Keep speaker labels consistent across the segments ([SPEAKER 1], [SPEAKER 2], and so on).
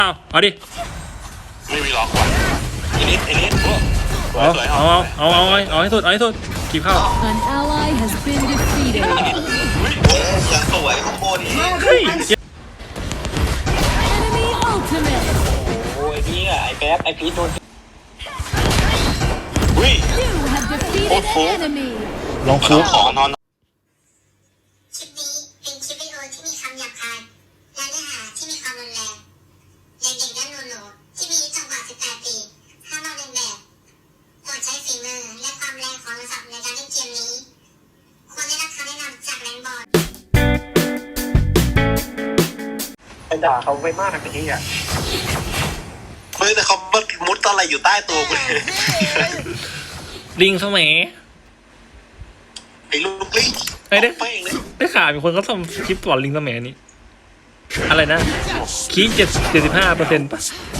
[SPEAKER 1] เอาดิ
[SPEAKER 2] ไม่มีล็อกว่ะไอ้นิด
[SPEAKER 1] เอาให้สุดกีบเข้า
[SPEAKER 3] An ally has been defeated.
[SPEAKER 4] ยังสวยข้างบน
[SPEAKER 3] Enemy ultimate.
[SPEAKER 5] โอ้ยพี่อะไอ้แป๊บไอ้พีทโดน
[SPEAKER 3] You have defeated an enemy.
[SPEAKER 1] ลองฟุก
[SPEAKER 2] ของนอน
[SPEAKER 6] คลิปนี้เป็นคลิปวิดีโอที่มีคำหยาบคายและเนื้อหาที่มีความรุนแรงเด็กๆและหนูๆที่มีอายุต่ำกว่า 18 ปีห้ามลอกเลียนแบบโปรดใช้ฝีมือและความแรงของโทรศัพท์ในการเล่นเกมนี้ควรได้รับคำแนะนำจากแรงบอล
[SPEAKER 5] ไปด่าเขาไปมากแบบนี้อ่ะ
[SPEAKER 4] เฮ้ยแต่เขามุดอะไรอยู่ใต้ตัวกูเลย
[SPEAKER 1] ลิงสมัย
[SPEAKER 4] ไอ้ลูกลิง
[SPEAKER 1] ไอ้เด้
[SPEAKER 4] เป้งเลย
[SPEAKER 1] ได้ข่าวมีคนเขาทำคลิปก่อนลิงสมัยนี้อะไรนะคี75%ป่ะ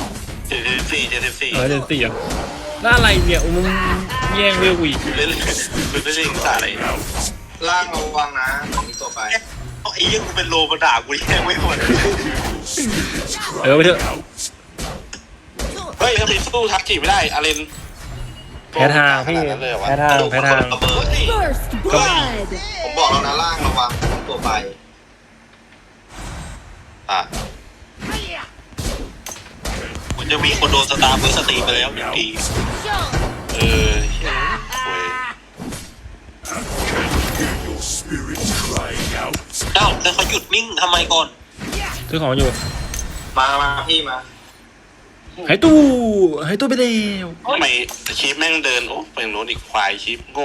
[SPEAKER 4] 74
[SPEAKER 1] 74อ่ะแล้วอะไรเนี่ยมึงแย่งเวลกูอีก
[SPEAKER 4] เล่นภาษาอะไร
[SPEAKER 7] ล่างระวังนะของนี้ตัวไป
[SPEAKER 4] ไอ้ยังกูเป็นโลมาด่ากูแย่งไม่หมด
[SPEAKER 1] ไปเถอะ
[SPEAKER 2] เฮ้ยถ้าไปสู้ทักจีไม่ได้อาเลน
[SPEAKER 1] แพ้ทางพี่แพ้ทาง
[SPEAKER 3] First blood.
[SPEAKER 7] ผมบอกแล้วนะล่างระวังตัวไป
[SPEAKER 4] มันจะมีคนโดนสตาร์เพื่อสตรีไปแล้ว1 ปี
[SPEAKER 2] เว้ย
[SPEAKER 4] เอ้าแล้วเขาหยุดนิ่งทำไมก่อน
[SPEAKER 1] ซื้อของอยู่
[SPEAKER 7] มาพี่มา
[SPEAKER 1] หายตู้ไปแล้ว
[SPEAKER 2] ทำไมชีฟแม่งเดินโอ้ไปโน้นอีกควายชีฟโง่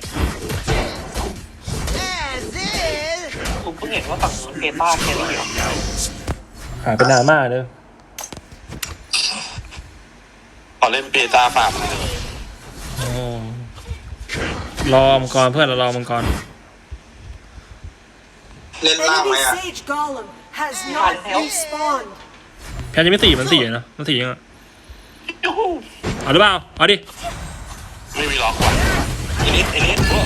[SPEAKER 5] ผมเพิ่งเห็นว่าฝั่งนู้นเกต้าแครี่เหรอ
[SPEAKER 1] หายไปนานมากเลย
[SPEAKER 2] ขอเล่นเบต้าฟาร์มเลย
[SPEAKER 1] รอมังกรเพื่อนเรารอมังกร
[SPEAKER 7] เล่นล่างไหม
[SPEAKER 8] Enemy
[SPEAKER 7] อ่ะ
[SPEAKER 8] Sage Golem has not respawned.
[SPEAKER 1] แพ้ยังไม่มันสี่นะมันสี่ยังอ่ะเอาหรือเปล่าเอาดิ
[SPEAKER 2] ไม่มีล็อกว่ะ
[SPEAKER 4] ไอ้นิด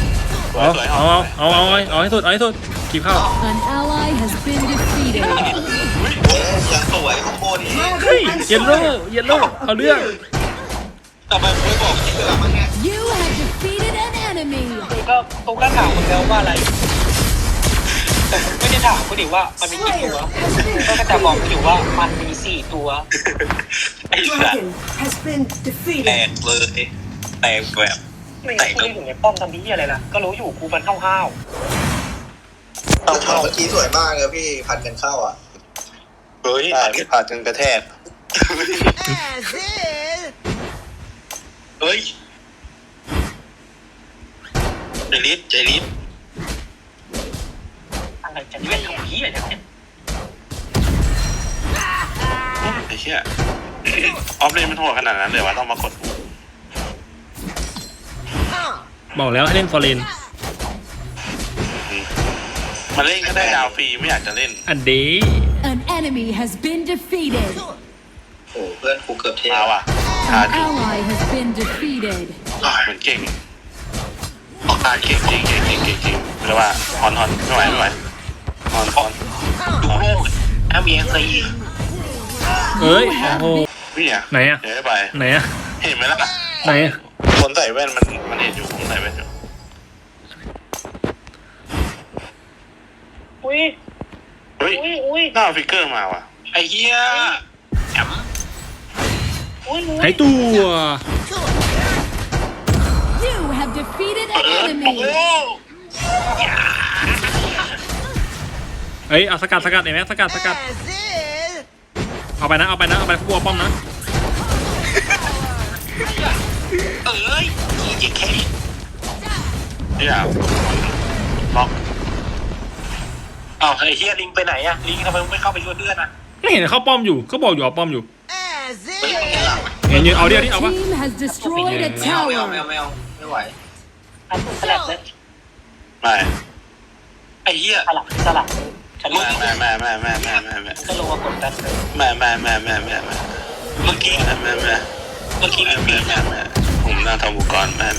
[SPEAKER 1] เอาให้สุดกีบเข้า
[SPEAKER 3] An ally has been defeated.
[SPEAKER 4] ยังสวยข้างบน
[SPEAKER 1] เฮ้ยเยลโล่เอาเรื่อง
[SPEAKER 4] ทำไมมึงไม่บอกที่เวลามัน
[SPEAKER 3] You have defeated an enemy.
[SPEAKER 5] กูก็ถามมึงแล้วว่าอะไรไม่ได้ถามกูดิว่ามันมีกี่ตัวก็จะบอกกูอยู่ว่ามันมี4 ตัว
[SPEAKER 4] ไอ้สัตว์
[SPEAKER 8] Dragon has been
[SPEAKER 4] แต
[SPEAKER 8] defeated.
[SPEAKER 4] กเลยแตกแบบ
[SPEAKER 5] ไม่รู้กูอยู่ในป้อมทำที่อะไรล่ะก็รู้อยู่กูมันห้าว
[SPEAKER 7] เอาเมื่อกี้สวยมากเลยพี่ผัดกันเข้าอ่ะ
[SPEAKER 4] เฮ้ย
[SPEAKER 7] ผัดกันกระแทก
[SPEAKER 4] เฮ้ยใจลิศ
[SPEAKER 5] อะไรจะเล่นของพี่อะไรเนี่ย
[SPEAKER 2] ไอ้เหี้ยออฟเลนมันโหดขนาดนั้นเลยวะต้องมากด
[SPEAKER 1] บอกแล้วให้เล่นฟอร์เรน
[SPEAKER 2] มาเล่นก็ได้ดาวฟรีไม่อยากจะเล่น
[SPEAKER 1] อันเด
[SPEAKER 3] An enemy has been defeated.
[SPEAKER 7] โอ้เพื่อนกูเกือบเท
[SPEAKER 2] มาว่ะ
[SPEAKER 3] An ally has been defeated.
[SPEAKER 2] เหมือนเก่งออกตาเก่งเรียกว่าฮอนไม่ไหวฮอน
[SPEAKER 4] ดูโลกMBC
[SPEAKER 1] เอ้ยโอ้โห
[SPEAKER 2] พี่อ่ะ
[SPEAKER 1] ไหนอะ
[SPEAKER 2] เดี๋ยวไป
[SPEAKER 1] ไหนอะ
[SPEAKER 2] เห็นไหมล่ะ
[SPEAKER 1] ไหนอะ
[SPEAKER 2] คนใส่แว่นมันเห็นอยู่ผมใส่แว่นอยู่
[SPEAKER 5] อุ้ย
[SPEAKER 2] เฮ้ย
[SPEAKER 5] อุ้ย
[SPEAKER 2] หน้าฟิกเกอร์มาว่ะ
[SPEAKER 4] ไอ้เหี้ยแอม
[SPEAKER 3] You have defeated an enemy.
[SPEAKER 1] เฮ้ยเอาสกัดเห็นไหมสกัดเอาไปนะพวกป้อมนะ
[SPEAKER 4] เอ้ยเจ๊แค่
[SPEAKER 2] เนี่ยล็อก
[SPEAKER 4] อ้าวไอ้เหี้ยลิงไปไหนอะลิงทำไมไม่เข้าไปช่วยเพื่อนอะ
[SPEAKER 1] ไม่เห็นเข้าป้อมอยู่ก็บอกอยู่เอาป้อมอยู่
[SPEAKER 4] ไม่เห็นหลัง
[SPEAKER 1] เห็นยืนเอาดิเอาปะ
[SPEAKER 3] Team has destroyed a
[SPEAKER 7] ไม่เอา
[SPEAKER 3] tower.
[SPEAKER 7] ไม่ไหว
[SPEAKER 5] อันสลับเลย
[SPEAKER 2] ไม่
[SPEAKER 4] ไอ้เหี้ย
[SPEAKER 5] สลับฉันรู้
[SPEAKER 2] ไม่
[SPEAKER 5] ก็ลงมากดดันเลย
[SPEAKER 2] ไม่
[SPEAKER 4] เมื่อกี้
[SPEAKER 2] ผมนั่งทำอุปกรณ์ไม่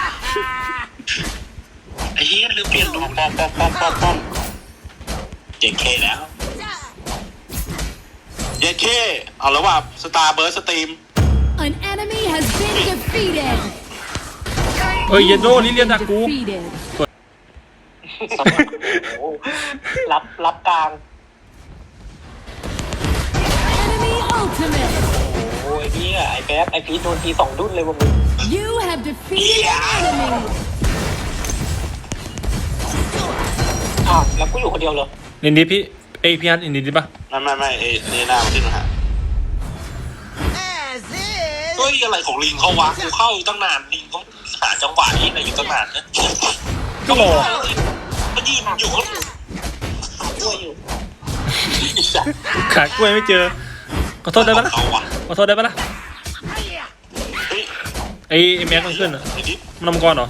[SPEAKER 4] ไอ้เหี้ยลืมเปลี่ยนรูป
[SPEAKER 2] ป้อม
[SPEAKER 4] เจ๊แค่แล้วเ
[SPEAKER 2] เย้เค้เอาแล้วว่าสตาร์เบิร์สตรีม
[SPEAKER 3] An enemy has been defeated.
[SPEAKER 1] เอ้ยเยนโดลิเลียดักกู
[SPEAKER 3] Defeated.
[SPEAKER 5] โอ้โหรับกลาง
[SPEAKER 3] Enemy ultimate.
[SPEAKER 5] โอ้ยไอ้แป๊บไอ้พีทโดนที2 ดุ้นเลยว่ะมึง
[SPEAKER 3] You have defeated an enemy.
[SPEAKER 5] อ้าวแล้วกูอยู่คนเดียวเหรอ
[SPEAKER 1] ลินดิพี่พี่ฮัทลินดิปะ
[SPEAKER 2] ไม่เอนี่หน้ามันขึ้นมาหา
[SPEAKER 4] เฮ้ยอะไรของลิงเขาวะกูเข้าอยู่ตั้งนานลิงเขาหาจังหวะนี้อะไรอยู่ตั้งนานนะ
[SPEAKER 1] ก็รอ
[SPEAKER 4] มันยืนอยู่ก็
[SPEAKER 5] ด้วยอยู่
[SPEAKER 1] ขากล้วยไม่เจอขอโทษได้ปะล่ะ
[SPEAKER 4] เขาวะ
[SPEAKER 1] ขอโทษได้ปะล่ะ
[SPEAKER 2] เฮ้ย
[SPEAKER 1] ไอ้แม็กมันขึ้นอ่ะ
[SPEAKER 2] ไอ้ดิ
[SPEAKER 1] มันนำกรเหรอ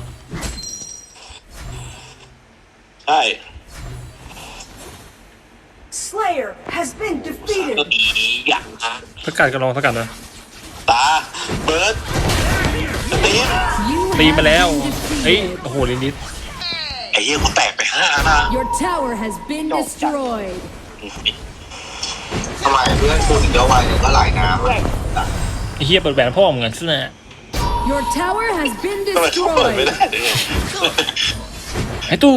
[SPEAKER 2] ใช่
[SPEAKER 8] Slayer has been
[SPEAKER 4] ก็
[SPEAKER 8] defeated.
[SPEAKER 4] ดีอย่างนะ
[SPEAKER 1] สกัดกันลองสกัดนะ
[SPEAKER 2] ตาเบิร์ดสตรีม
[SPEAKER 3] You
[SPEAKER 1] ตีไป
[SPEAKER 3] have
[SPEAKER 1] แล้ว
[SPEAKER 3] been
[SPEAKER 1] เฮ้ย
[SPEAKER 3] defeated.
[SPEAKER 1] โอ้โหลินดิ
[SPEAKER 4] ไอ้เหี้ยเขาแตกไป5 นะ
[SPEAKER 3] Your tower has been destroyed.
[SPEAKER 7] ทำไมเพื่อนคุณถึงจะไวเนี่ยก็หลายน้ำอะ
[SPEAKER 1] ไอ้เฮียเปิดแหวนพ่อมึงไงซึ่งน่ะ
[SPEAKER 3] Your tower has been
[SPEAKER 2] ทำไมเขาเปิดไม่
[SPEAKER 3] destroyed.
[SPEAKER 2] ได้เลย
[SPEAKER 1] ไอ้ตู้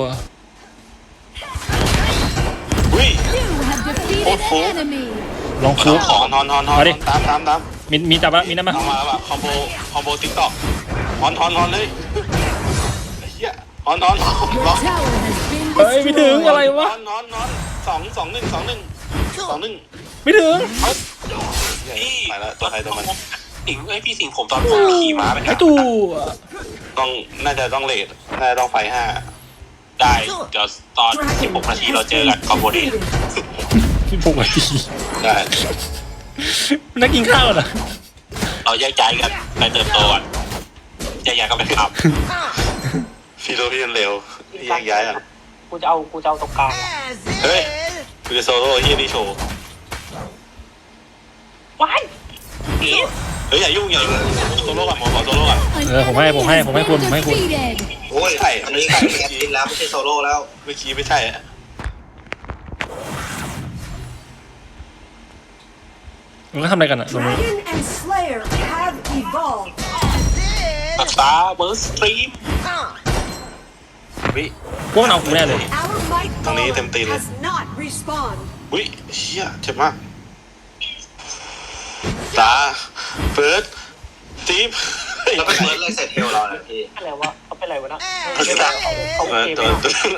[SPEAKER 2] อุ้ย
[SPEAKER 3] You have defeated an enemy.
[SPEAKER 1] ลองฟุก
[SPEAKER 2] ของนอน
[SPEAKER 1] เอาดิ
[SPEAKER 2] ตาม
[SPEAKER 1] มีจับปะมีนั่นปะ
[SPEAKER 2] เอามาแล้วแบบคอมโบติ๊กต็อกฮอนเลยไอ้เหี้ยฮอน
[SPEAKER 3] Your
[SPEAKER 2] ล็อก
[SPEAKER 3] tower has been
[SPEAKER 1] เฮ้ยไม่ถึงอะไร
[SPEAKER 3] destroyed.
[SPEAKER 1] วะ
[SPEAKER 2] นอน2-1
[SPEAKER 1] ไม่ถึง
[SPEAKER 2] ไปแล้วตัวใครตัวมัน
[SPEAKER 4] สิงไอ้พี่สิงผมตอนผมขี่ม้าไป
[SPEAKER 1] ไอ้ตู้
[SPEAKER 2] น่าจะต้องเลทน่าจะต้องไฟ5
[SPEAKER 4] ได้เดี๋ยวตอน16 นาทีเราเจอกันคอมโบเด
[SPEAKER 1] ที่ปกติ
[SPEAKER 2] ได้
[SPEAKER 1] นักกินข้าวเหรอ
[SPEAKER 4] เราแยกย้ายกันไปเติบโตก่อนแยกย้ายกันไปขับ
[SPEAKER 2] ฟีโรพี่เร็วแยกย้ายอ่ะ
[SPEAKER 5] กูจะเอาตรงกลางอะ
[SPEAKER 2] เฮ้ยกูจะโซโล่เฮียนี่โชว์
[SPEAKER 5] ว้าย
[SPEAKER 2] เฮ้ยอย่ายุ่งโซโล่ก่อนหมอขอโซโล่ก่อน
[SPEAKER 3] An
[SPEAKER 1] ผมให้
[SPEAKER 3] enemy has
[SPEAKER 1] คุณ
[SPEAKER 3] been
[SPEAKER 1] ผมให้คุณ
[SPEAKER 3] defeated.
[SPEAKER 7] โอ้ย
[SPEAKER 2] ใช่
[SPEAKER 7] อันนี้ใครเป็นแอดมินแล้วไม่ใช่โซโล่แล้ว
[SPEAKER 2] เมื่อกี้ไม่ใช่อะ
[SPEAKER 1] มันก็ทำอะไรกันอ่ะตรงนี้
[SPEAKER 8] Dragon and Slayer have evolved.
[SPEAKER 4] สตาร์เบิร์สตรีม
[SPEAKER 2] วิ
[SPEAKER 1] พวกมันเอากูแน่เลย
[SPEAKER 8] Our might
[SPEAKER 2] Tao nghĩ
[SPEAKER 8] golem
[SPEAKER 2] thêm tiền
[SPEAKER 8] has not respawned.
[SPEAKER 2] วิเฮียเจ็บมากตาเฟิร์สทีม
[SPEAKER 7] แล้วก็เฟิร์สเลยเสร็จเทลเราเนี่ยพี่
[SPEAKER 5] อะไรวะเขาเป็นอะไรวะนะ
[SPEAKER 2] เขาจะ
[SPEAKER 5] เขา
[SPEAKER 2] ตัว
[SPEAKER 5] เกม
[SPEAKER 2] ตัว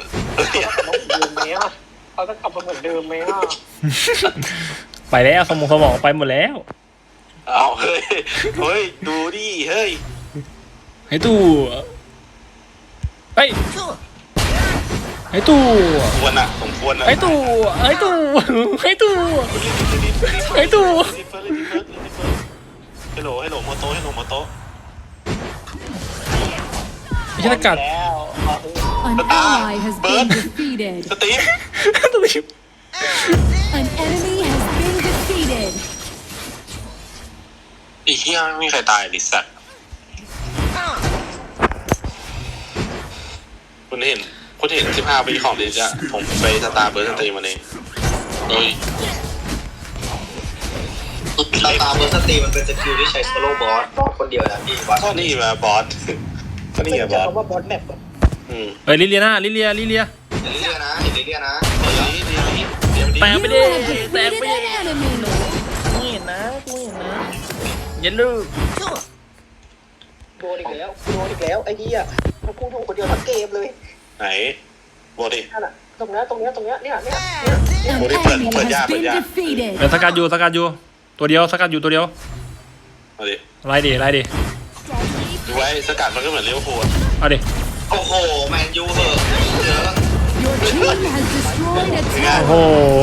[SPEAKER 5] เขาจะกลับมาเหมือนเดิมไหมอ่ะ
[SPEAKER 1] ไปแล้วสมองไปหมดแล้ว
[SPEAKER 2] เอาเฮ้ยดูดิเฮ้ย
[SPEAKER 1] ไอ้ตู้เฮ้ยไอ้ตู้
[SPEAKER 2] ควรอ่ะสมควรอ่ะ
[SPEAKER 1] ไอ้ตู้ไอ้ตู้ไอ้ตู้ไอ้ตู้
[SPEAKER 2] ฮัลโหลโมโต้โมโต้
[SPEAKER 1] ไอ้ชนกัด
[SPEAKER 5] แล้ว
[SPEAKER 3] An ally has been defeated.
[SPEAKER 2] สตีฟ
[SPEAKER 3] An enemy has been defeated.
[SPEAKER 4] ไอ้เหี้ยไม่มีใครตายดิสัตว์
[SPEAKER 2] คุณเห็น15 ปีของดิจะผมไปสตาร์เบิร์ดสตรีมวันนี้
[SPEAKER 4] เฮ้ย
[SPEAKER 7] ตาตาเบอร์สตรีมันเป็นสกิลที่ใช้โซโล่บอสคนเดียวนะพี่ว่า
[SPEAKER 2] ก็นี่มาบอสก็นี่
[SPEAKER 5] ไม่
[SPEAKER 2] ไงบ
[SPEAKER 5] จะ
[SPEAKER 2] อส
[SPEAKER 5] คำว่าบอสแมป
[SPEAKER 1] เฮ้ยลิเลียนะลิเลีย
[SPEAKER 7] เห็นเรื่อยๆนะเห็นเรื่อยๆนะ
[SPEAKER 1] แตก
[SPEAKER 3] You
[SPEAKER 1] ไปดิ
[SPEAKER 3] have
[SPEAKER 1] แตก
[SPEAKER 3] defeated
[SPEAKER 1] ไปดิ
[SPEAKER 3] an enemy.
[SPEAKER 1] นี่นะกูเห็นนะอย่าลืม
[SPEAKER 5] โดนอีกแล้วไอ้เหี้ยมันกูถูกคนเดียวทั้งเกมเลย
[SPEAKER 2] ไหนบอสดิ
[SPEAKER 5] นั่นน่ะตรงเนี้ยเนี่ย
[SPEAKER 3] An
[SPEAKER 2] Ủa, đi
[SPEAKER 3] enemy
[SPEAKER 2] ปิด
[SPEAKER 3] has
[SPEAKER 2] เปิด
[SPEAKER 3] been
[SPEAKER 2] ยาก
[SPEAKER 3] defeated.
[SPEAKER 1] เดี๋ยวสกัดอยู่ตัวเดียวสกัดอยู่ตัวเดียว
[SPEAKER 2] มาดิ
[SPEAKER 1] ไล่ดิ
[SPEAKER 2] ดูไว้สกัดมันก็เหมือนเลี้ยวโคด
[SPEAKER 1] เอาดิ
[SPEAKER 7] โอ้โหแมนยูเหอะเยอะ
[SPEAKER 3] Your team has destroyed a
[SPEAKER 1] โอ้โห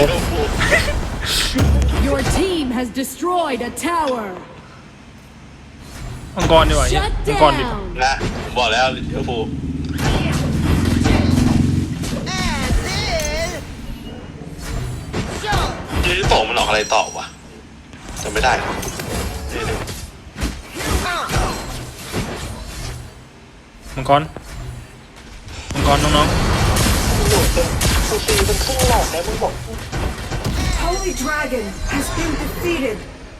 [SPEAKER 3] tower. Your team has destroyed a tower.
[SPEAKER 1] มังกรดีกว่าเหี้ย
[SPEAKER 3] Shut
[SPEAKER 1] มังกรดิ
[SPEAKER 3] down.
[SPEAKER 2] นะผมบอกแล้วเลี้ยวโคดยืดโตมันออกอะไรต่อวะจำไม่ได้
[SPEAKER 1] มังกรน้อง
[SPEAKER 5] กูตีเป็นครึ่งหลอดแล้วมึงบอก
[SPEAKER 8] Holy Dragon has been defeated.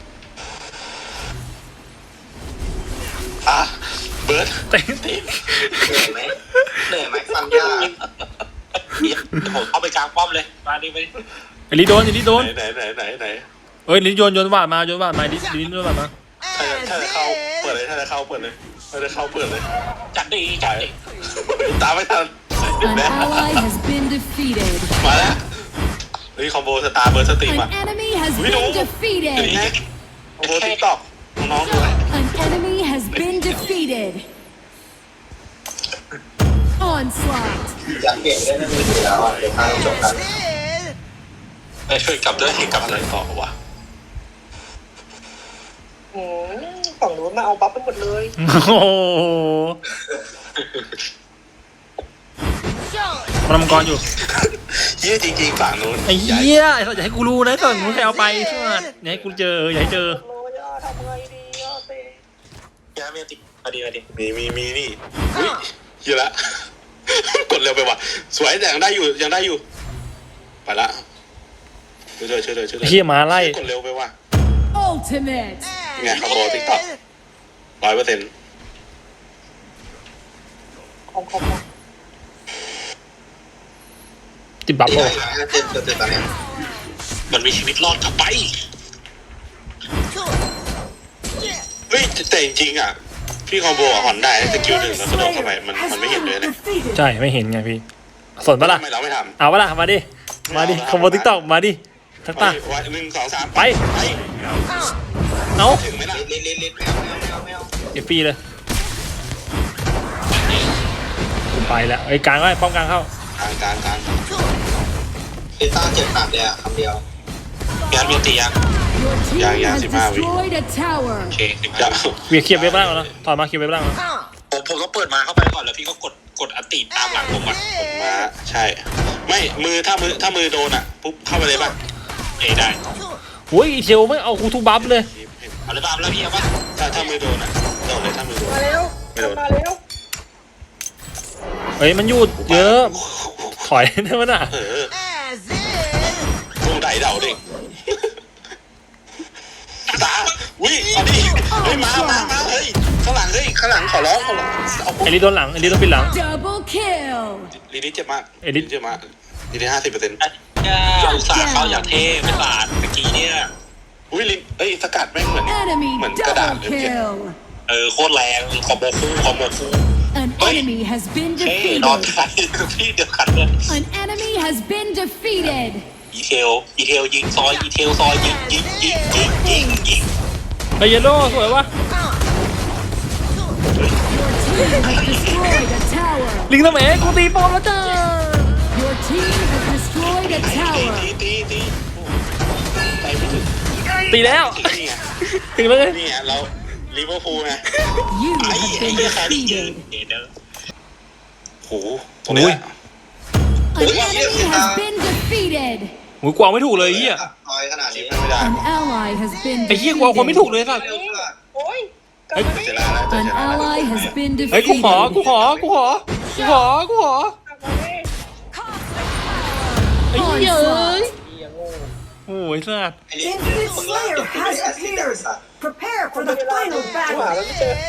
[SPEAKER 2] อ่ะเบิร์ด
[SPEAKER 1] เต็ม
[SPEAKER 7] เหนื่อยไหมเหนื่อยไหมฟังยาก
[SPEAKER 4] เดี๋ยวผมเอาไปกลางป้อมเลยมาดิไป
[SPEAKER 1] ไอ้ลิโดนไอ้ลิโดน
[SPEAKER 2] ไหน
[SPEAKER 1] เอ้ยลิโยนวาดมาลิโยนวาดมา
[SPEAKER 2] ถ้าจะเข้าเปิดเลยถ้าจะเข้าเปิดเลยถ้าจะเข้าเปิดเลย
[SPEAKER 4] จัดดีจัดดี
[SPEAKER 2] ตามไม่ทัน
[SPEAKER 3] An ally has been defeated.
[SPEAKER 2] มาแล้วเฮ้ยคอมโบสตาร์เบิร์ดสตรีม
[SPEAKER 3] An
[SPEAKER 2] อ่ะ
[SPEAKER 3] enemy has
[SPEAKER 2] We don't-
[SPEAKER 3] been defeated.
[SPEAKER 2] คอมโบติ๊กต็อกน้องๆด้วย
[SPEAKER 3] An enemy has been defeated. Onslaught.
[SPEAKER 7] อยากเปลี่ยนได้ไม่มือถือแล้วเดี๋ยวพาจบกัน
[SPEAKER 4] ไปช่วยกลับด้วยกลับ
[SPEAKER 2] อะ
[SPEAKER 4] เล
[SPEAKER 2] ไร
[SPEAKER 4] ย
[SPEAKER 2] ต่อวะ
[SPEAKER 5] ฝั่งนู้นมาเอาบัฟไปหมดเลย
[SPEAKER 1] โอ้โหมันมังกรอยู่
[SPEAKER 2] เยี่ยจริงๆฝั่งนู้น
[SPEAKER 1] ไอ้เหี้ยไอ้สัตว์อย่าให้กูรู้นะสัตว์มึงใครเอาไปสัตว์อย่าให้กูเจออย่าให้เจอ
[SPEAKER 5] โอ้ยทำไงดีอ่ะเต้
[SPEAKER 4] ยาเมียติมาดีมาดี
[SPEAKER 2] มีนี่อุ้ยเยอะละ กดเร็วไปว่ะสวยแต่ยังได้อยู่ไปละช่วยด้วย
[SPEAKER 1] ไอ้เหี้ยหมาไล่
[SPEAKER 2] กดเร็วไปว่ะ
[SPEAKER 3] Ultimate.
[SPEAKER 2] ไงคอมโบติ๊กต็อก100%
[SPEAKER 5] ของ
[SPEAKER 1] ติดบัฟ
[SPEAKER 7] ตี
[SPEAKER 1] โอ้
[SPEAKER 7] ได้เจ็บตอนนี้
[SPEAKER 4] มันมีชีวิตรอดกลับไป
[SPEAKER 2] เฮ้ยแต่จริงๆอ่ะพี่คอมโบหอนได้สกิลหนึ่งแล้วกระโดดเข้าไป
[SPEAKER 8] Slayer
[SPEAKER 2] มัน
[SPEAKER 8] has
[SPEAKER 2] ไม่เห็นเลย
[SPEAKER 8] been
[SPEAKER 2] นะ
[SPEAKER 8] defeated.
[SPEAKER 1] ใช่ไม่เห็นไงพี่สนปะล่ะ
[SPEAKER 2] ทำไมเราไม่ท
[SPEAKER 1] เอาปะล่ะมาดิคอมโบติ๊กต็อกมาดิทัก
[SPEAKER 2] ำ
[SPEAKER 1] ตา
[SPEAKER 2] 1 2 3
[SPEAKER 1] ไป เอา
[SPEAKER 2] ถึงไหมล่ะ
[SPEAKER 7] ลิ้นแมว
[SPEAKER 1] เอฟฟีเลยกูไปแล้วไอ้กลางไว้ป้อมกลางเข้าก
[SPEAKER 2] ลาง
[SPEAKER 7] ลิต้าเจ็บหนักเลยอ่ะคำเดียว
[SPEAKER 4] ยาเมียติยัง
[SPEAKER 3] Your team
[SPEAKER 2] Yeah,
[SPEAKER 3] has
[SPEAKER 2] 15
[SPEAKER 3] destroyed a tower.
[SPEAKER 4] โอเค
[SPEAKER 2] จะ
[SPEAKER 1] เวียเคลียร์เว็บล่างแล้วนะถอดมาเคลียร์เว็บล่างแล้ว
[SPEAKER 4] ผมต้องเปิดมาเข้าไปก่อนแล้วพี่ก็กดอัตติตามหลังผมอ่ะ
[SPEAKER 2] มาใช่ ไม่มือถ้ามือโดนอ่ะปุ๊บเข้าไปเลยป่ะ
[SPEAKER 4] ได้
[SPEAKER 1] โอ้ยอีเทลไม่เอากูทุบบัฟเลย
[SPEAKER 4] เอาเลยบ้างแล้วพี่เอาปะ
[SPEAKER 2] ถ้ามือโดนอ่ะโดนเลยถ้ามือโดน
[SPEAKER 5] มาแล้ว
[SPEAKER 2] ไม่โดน
[SPEAKER 5] มาแล้ว
[SPEAKER 1] เฮ้ยมันหยุดเยอะ ถอยได้มั้ยน่ะ
[SPEAKER 2] ตรงไหนเดาดิตาอุ้ยเอาดิเฮ้ยมาเฮ้ยข้างหลังขอร้องเอา
[SPEAKER 1] ไอ้ลิโดนหลังไอ้ลิโดนปิดหลัง
[SPEAKER 3] Double kill.
[SPEAKER 2] ลีดิเจ็บมาก
[SPEAKER 1] เอลิส
[SPEAKER 2] เจ็บมากลีดิ50%
[SPEAKER 4] อุตส่าห์เข้าอย่างเท่ไม่บาดเมื่อกี้เนี่ย
[SPEAKER 2] อุ้ยลินสกัดแม่งเหมือน
[SPEAKER 3] Enemy
[SPEAKER 2] กระดาษ
[SPEAKER 3] double
[SPEAKER 2] เลยเมื่อกี้
[SPEAKER 3] kill.
[SPEAKER 4] โคตรแรงคอมโบคู่
[SPEAKER 3] An enemy has been
[SPEAKER 4] เท่นอน
[SPEAKER 3] defeated.
[SPEAKER 4] ใครพี่เดียวกันเลย
[SPEAKER 3] An enemy has been defeated.
[SPEAKER 4] อีเทลยิงซอยยิง
[SPEAKER 1] ไอ้เยลโล่สวยวะ
[SPEAKER 3] Your team has destroyed a tower.
[SPEAKER 1] ลิงทำไมกูตีป้อมแล้วจ้า
[SPEAKER 3] Your team has destroyed a tower.
[SPEAKER 2] ตีไปไม่ถึง
[SPEAKER 1] ตีแล้ว
[SPEAKER 2] นี่ไง
[SPEAKER 1] ถึงแล้วไง
[SPEAKER 2] นี่ไงเราลิเวอร์พูลไง
[SPEAKER 3] You
[SPEAKER 2] ไอ้
[SPEAKER 3] have
[SPEAKER 2] ไอ้
[SPEAKER 3] been
[SPEAKER 2] เหี้ยแครี่
[SPEAKER 3] defeated.
[SPEAKER 2] โหตรงนี้
[SPEAKER 3] An enemy has been defeated.
[SPEAKER 1] โอ้ยกวางไม่ถูกเลยไอ้เหี้ย
[SPEAKER 7] น้อยขนาดนี้
[SPEAKER 2] ไม่ได้
[SPEAKER 3] An ally has been
[SPEAKER 1] ไอ้เหี้ยกวางคนไม่ถูก
[SPEAKER 3] defeated.
[SPEAKER 1] เลยสัตว์
[SPEAKER 5] โอ้ย
[SPEAKER 1] เฮ้ย
[SPEAKER 2] เจล่าแล้ว
[SPEAKER 3] An ally has been
[SPEAKER 1] เฮ้ยกูขอ
[SPEAKER 3] defeated.
[SPEAKER 1] ไอ้เหี้ยเอ้ย
[SPEAKER 5] เหี้ยโง่
[SPEAKER 1] โอ้ยสัตว์
[SPEAKER 8] Infinite Slayer has appeared. Prepare for the final
[SPEAKER 5] หา
[SPEAKER 8] battle.
[SPEAKER 5] แล้วไม่เจอ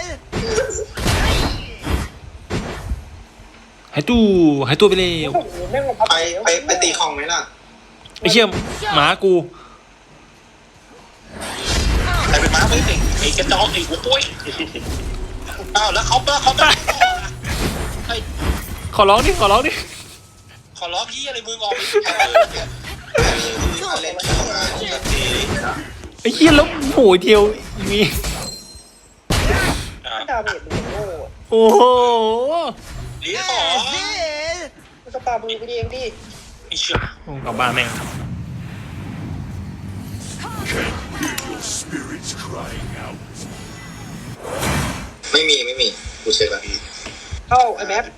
[SPEAKER 1] หายตู้ไปเร็ว
[SPEAKER 5] โอ้โหแม่งมาพับ
[SPEAKER 7] ไปตีคลองไหมล่ะ
[SPEAKER 1] ไอ้เหี้ยหมากู
[SPEAKER 4] ใครเป็นม้าไม่ติไอ้กระจอกไอ้หัวปุ้ยอ้าวแล้วเขา
[SPEAKER 1] ขอร้องดิ
[SPEAKER 4] ขอร้องพี่อะไรมึงออก
[SPEAKER 7] เล่น
[SPEAKER 1] ไอ้เหี้ยแล้วโหยเทียวมี
[SPEAKER 5] ดาเมจมึงโง่
[SPEAKER 1] โอ้โห
[SPEAKER 4] เลี้ยต่อ
[SPEAKER 5] มึงก็ปามือไปเองดิ
[SPEAKER 4] ไอ้เชี่ย
[SPEAKER 1] กลับบ้านแม่ง
[SPEAKER 7] ไม่มีกูเช็คแล้ว
[SPEAKER 5] เข้าไอ้แม็ก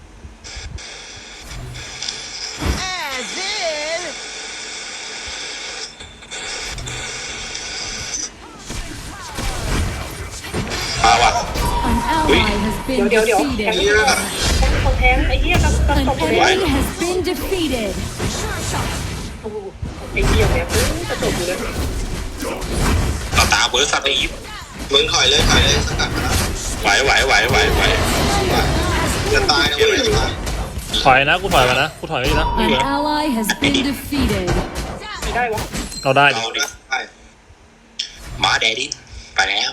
[SPEAKER 2] มาว่ะ
[SPEAKER 3] An ally has been
[SPEAKER 5] เดี๋ยว
[SPEAKER 3] defeated.
[SPEAKER 5] คนแทงไอ้เหี้ยครับ
[SPEAKER 3] An
[SPEAKER 5] ต้อง
[SPEAKER 3] enemy has been defeated.
[SPEAKER 5] ไอ้เหี้ยแม่งจะจบอยู่เลย
[SPEAKER 4] ต่อตาเบิร์ดสตีฟ
[SPEAKER 7] มึงถอยเลยสกัดมาแล้ว
[SPEAKER 2] ไหว
[SPEAKER 7] จะตายนะเว้ยจะตาย
[SPEAKER 1] ถอยนะกูถอยมานะกูถอยไม่นะไม่
[SPEAKER 3] An
[SPEAKER 1] เหลือ
[SPEAKER 3] ally has been defeated.
[SPEAKER 5] ไม่ได้วะ
[SPEAKER 1] เราได้ดิ
[SPEAKER 4] เอาดิ
[SPEAKER 7] ใช่
[SPEAKER 4] มาแดดดี้ไปแล้ว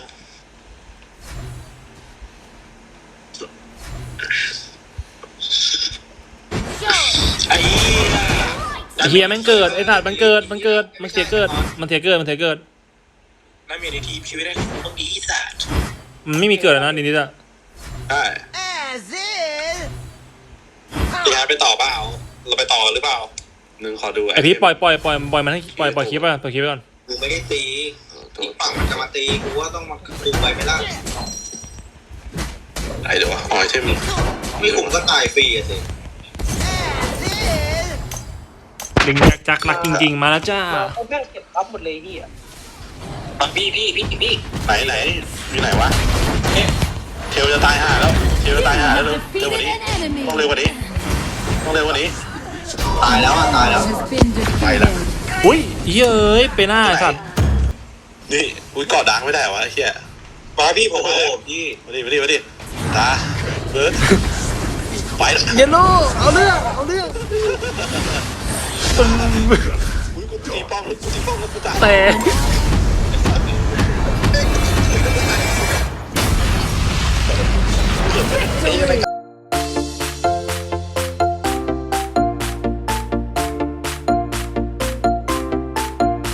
[SPEAKER 4] ไอ้เหี้ย
[SPEAKER 1] ไอ้เฮียแม่งเกิดไอ้สัตว์มันเกิดมันเสียเกิดมันเสียเกิด
[SPEAKER 4] นั่นมีในทีมชีวิตได้ต้องดีสัตว์
[SPEAKER 1] มันไม่มีเกิดแล้วนะนิดๆอะ
[SPEAKER 2] ใช่พี่ฮาร์ดไปต่อเปล่าเราไปต่อหรือเปล่าหนึ่งขอดู
[SPEAKER 1] ไอพี่ปล่อยมันให้ปล่อยคลิปไปปล่อยคลิปไปก่อน
[SPEAKER 7] กูไม่ได้ตีอีกฝั่งมันจะมาตีกูว่าต้องมาคุมไปไม่ได้
[SPEAKER 2] ไหนเดี๋ยววะอ๋อใช่มึง
[SPEAKER 7] นี่ผมก็ตายฟรีอะสิ
[SPEAKER 1] ดึงจักรักจริงๆมาแล้วจ้า
[SPEAKER 5] เขาแม่งเก็บปั๊บหมดเลยพี่อ่ะ
[SPEAKER 4] พี่
[SPEAKER 2] ไหนอยู่ไหนวะเทลจะตายห่าแล้วเทลจะตายห่าแล้วเร็ว
[SPEAKER 3] Defeated
[SPEAKER 2] กว่านี้
[SPEAKER 3] an enemy.
[SPEAKER 2] ต้องเร็วกว่านี้ต้องเร็วกว่านี้
[SPEAKER 7] ตายแล้ว
[SPEAKER 3] Has been defeated.
[SPEAKER 1] อุ้ยเฮ้ยเอ้ยไปหน้าไอ้สัตว์
[SPEAKER 2] นี่อุ้ยกอดดังไม่ได้วะไอ้เหี้ยมาพี่ผม
[SPEAKER 7] โอ้
[SPEAKER 2] มา
[SPEAKER 7] โหพี่
[SPEAKER 2] มาดิตาเบิร์ดไปแล้ว
[SPEAKER 1] เยลโล่เอาเรื่อง
[SPEAKER 2] อุ้ยกูตีป้อมแล้วกูตาย
[SPEAKER 1] แต่